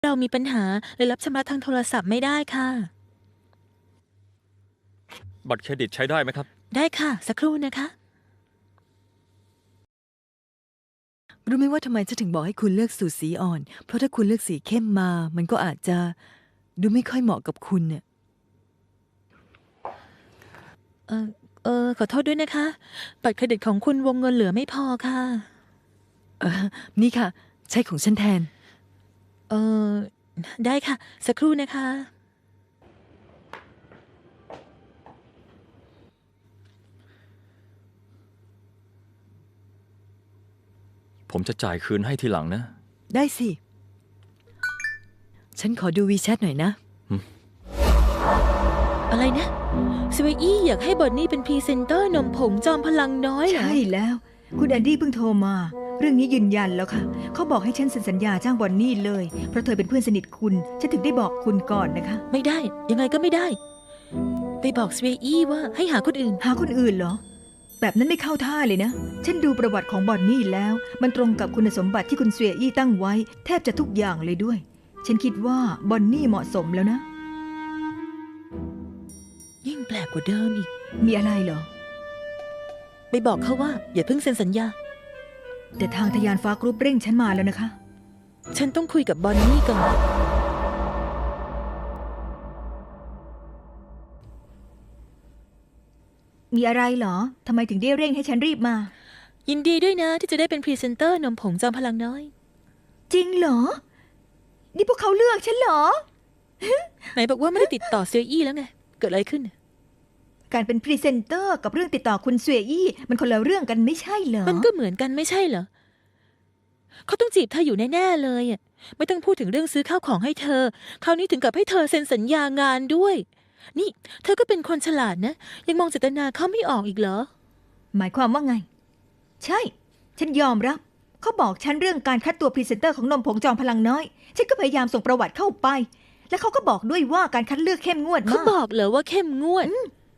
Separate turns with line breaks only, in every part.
เรามีปัญหาเลยรับชำระทางโทรศัพท์ไม่ได้ค่ะ
บัตรเครดิตใช้ได้ไหมครับ
ได้ค่ะ สักครู่นะคะ
รู้ไหมว่าทำไมฉันถึงบอกให้คุณเลือกสูตรสีอ่อน เพราะถ้าคุณเลือกสีเข้มมา มันก็อาจจะดูไม่ค่อยเหมาะกับคุณเนี่ย
ขอโทษด้วยนะคะ บัตรเครดิตของคุณวงเงินเหลือไม่พอค่ะ
นี่ค่ะ ใช้ของฉันแทน
เออได้ค่ะ สักครู่นะคะ
ผมจะจ่ายคืนให้ทีหลังนะ
ได้สิ ฉันขอดูวีแชทหน่อยนะ
อะไรนะสวีอี้อยากให้บอนนี่เป็นพรีเซนเตอร์นมผงจอมพลังน้อยเหรอ
ใช่แล้ว คุณแอนดี้เพิ่งโทรมา เรื่องนี้ยืนยันแล้วค่ะ เขาบอกให้ฉันเซ็นสัญญาจ้างบอนนี่เลย เพราะเธอเป็นเพื่อนสนิทคุณ ฉันถึงได้บอกคุณก่อนนะคะ
ไม่ได้ ยังไงก็ไม่ได้ ไปบอกสวีอี้ว่าให้หาคนอื่น
หาคนอื่นเหรอ แบบนั้นไม่เข้าท่าเลยนะ ฉันดูประวัติของบอนนี่แล้ว มันตรงกับคุณสมบัติที่คุณเสวียอี้ตั้งไว้ แทบจะทุกอย่างเลยด้วย ฉันคิดว่าบอนนี่เหมาะสมแล้วนะ
ยิ่งแปลกกว่าเดิมอีก
มีอะไรเหรอ
ไปบอกเขาว่า อย่าเพิ่งเซ็นสัญญา
แต่ทางทยานฟ้ากรุ๊ปเร่งฉันมาแล้วนะคะ
ฉันต้องคุยกับบอนนี่ก่อน
มีอะไรเหรอทำไมถึงได้เร่งให้ฉันรีบมา
ยินดีด้วยนะที่จะได้เป็นพรีเซนเตอร์นมผงจอมพลังน้อย
จริงเหรอ นี่พวกเขาเลือกฉันเหรอ
ไหนบอกว่าไม่ได้ติดต่อสวีอี้แล้วไง เกิดอะไรขึ้น
การเป็นพรีเซนเตอร์กับเรื่องติดต่อคุณเสวียอี้มันคนละเรื่องกันไม่ใช่เหรอ
มันก็เหมือนกันไม่ใช่เหรอ เขาต้องจีบเธออยู่แน่ๆเลยอ่ะ ไม่ต้องพูดถึงเรื่องซื้อข้าวของให้เธอ คราวนี้ถึงกับให้เธอเซ็นสัญญางานด้วย นี่ เธอก็เป็นคนฉลาดนะ ยังมองเจตนาเขาไม่ออกอีกเหรอ
หมายความว่าไง ใช่ ฉันยอมรับ เขาบอกฉันเรื่องการคัดตัวพรีเซนเตอร์ของนมผงจอมพลังน้อย ฉันก็พยายามส่งประวัติเข้าไป และเขาก็บอกด้วยว่าการคัดเลือกเข้มงวด
เขา
มาก
บอกเหรอว่าเข้มงวด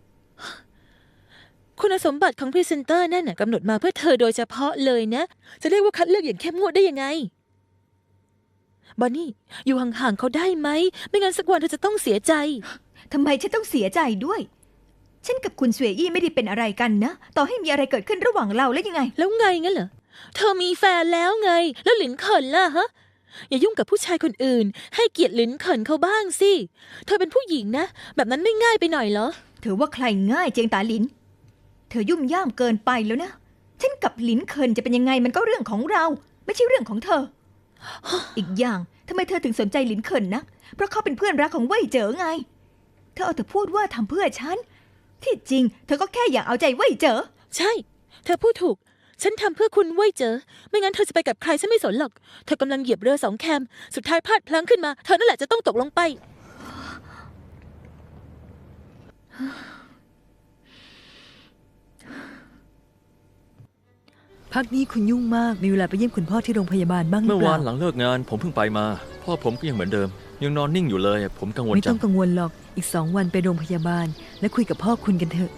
คุณสมบัติของพรีเซนเตอร์นั่นน่ะกำหนดมาเพื่อเธอโดยเฉพาะเลยนะ จะเรียกว่าคัดเลือกอย่างเข้มงวดได้ยังไง บอนนี่ อยู่ห่างๆเขาได้ไหม ไม่งั้นสักวันเธอจะต้องเสียใจ
ทำไมฉันต้องเสียใจด้วย ฉันกับคุณเสวียอี้ไม่ได้เป็นอะไรกันนะ ต่อให้มีอะไรเกิดขึ้นระหว่างเราแล้วยังไง
แล้วไงงั้นเหรอ เธอมีแฟนแล้วไง แล้วหลินเขินล่ะฮะ อย่ายุ่งกับผู้ชายคนอื่น ให้เกียรติหลินเขินเขาบ้างสิ เธอเป็นผู้หญิงนะ แบบนั้นไม่ง่ายไปหน่อยเหรอ
เธอว่าใครง่ายเจียงตาหลิน เธอยุ่มย่ามเกินไปแล้วนะ ฉันกับหลินเคินจะเป็นยังไงมันก็เรื่องของเรา ไม่ใช่เรื่องของเธอ อีกอย่างทำไมเธอถึงสนใจหลินเคินนัก เพราะเขาเป็นเพื่อนรักของเว่ยเจ๋อไง เธอเอาแต่พูดว่าทำเพื่อฉัน ที่จริง เธอก็แค่อยากเอาใจเว่ยเจ๋อ
ใช่ เธอพูดถูก ฉันทำเพื่อคุณเว้ยเจอ ไม่งั้นเธอจะไปกับใครฉันไม่สนหรอก เธอกำลังเหยียบเรือสองแคม สุดท้ายพลาดพลั้งขึ้นมา เธอนั่นแหละจะต้องตกลงไป
พักนี้คุณยุ่งมาก มีเวลาไปเยี่ยมคุณพ่อที่โรงพยาบาลบ้างหรื
เมื่
อ
อ
เป
วา
ล่าน
หลังเลิกงาน ผมเพิ่งไปมา พ่อผมก็ยังเหมือนเดิม ยังนอนนิ่งอยู่เลย ผมกังวล
ไม่
จั
ต้อง งกังวลหรอก อีก2 วันไปโรงพยาบาล และคุยกับพ่อคุณกันเถอะ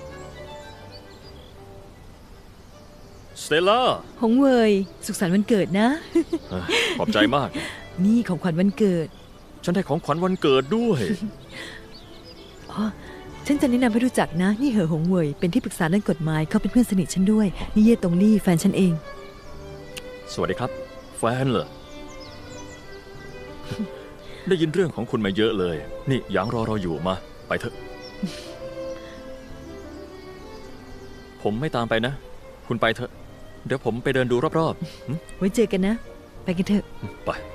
สเตลล่า
หงเวย สุขสันต์วันเกิดนะ
ขอบใจมาก
นี่ของขวัญวันเกิด
ฉันได้ของขวัญวันเกิดด้วย
อ๋อ ฉันจะแนะนำให้รู้จักนะ นี่เหอหงเวย เป็นที่ปรึกษาด้านกฎหมาย เขาเป็นเพื่อนสนิทฉันด้วย นี่เย่ตงลี่แฟนฉันเอง
สวัสดีครับ แฟนเหรอ ได้ยินเรื่องของคุณมาเยอะเลย นี่หยางรอเราอยู่มา ไปเถอะ ผมไม่ตามไปนะ คุณไปเถอะ เดี๋ยวผมไปเดินดูรอบๆ
ไว้เจอกันนะ ไปกันเถอะ
ไป